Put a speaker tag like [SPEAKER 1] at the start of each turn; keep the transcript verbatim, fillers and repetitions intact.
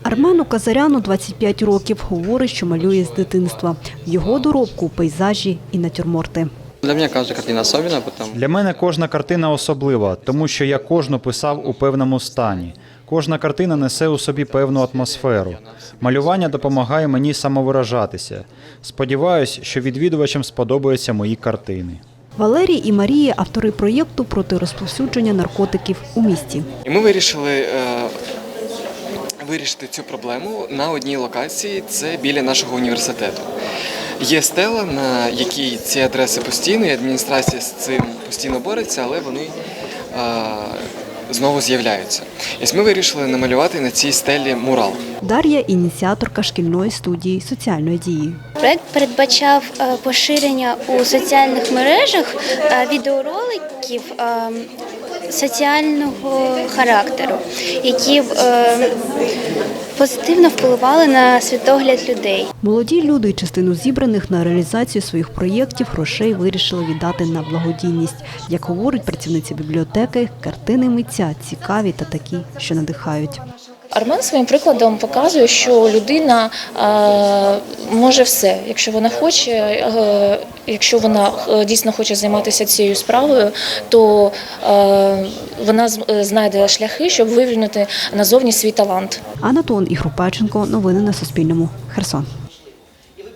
[SPEAKER 1] Армену Казаряну двадцять п'ять років. Говорить, що малює з дитинства. В його доробку – пейзажі і натюрморти.
[SPEAKER 2] Для мене кожна картина особлива, тому...
[SPEAKER 3] Для мене кожна картина особлива, тому що я кожну писав у певному стані. Кожна картина несе у собі певну атмосферу. Малювання допомагає мені самовиражатися. Сподіваюсь, що відвідувачам сподобаються мої картини.
[SPEAKER 1] Валерій і Марія – автори проєкту проти розповсюдження наркотиків у місті.
[SPEAKER 2] І ми вирішили е, вирішити цю проблему на одній локації, це біля нашого університету. Є стела, на якій ці адреси постійно, і адміністрація з цим постійно бореться, але вони е, знову з'являються. І ось ми вирішили намалювати на цій стелі мурал.
[SPEAKER 1] Дар'я – ініціаторка шкільної студії соціальної дії.
[SPEAKER 4] Проект передбачав поширення у соціальних мережах відеороликів соціального характеру, які б позитивно впливали на світогляд людей.
[SPEAKER 1] Молоді люди частину зібраних на реалізацію своїх проєктів грошей вирішили віддати на благодійність. Як говорить працівниця бібліотеки, картини митця цікаві та такі, що надихають.
[SPEAKER 5] Армен своїм прикладом показує, що людина е, може все, якщо вона хоче, е, якщо вона дійсно хоче займатися цією справою, то е, вона знайде шляхи, щоб вивільнити назовні свій талант.
[SPEAKER 1] Анатон Ігрупаченко. Новини на Суспільному. Херсон.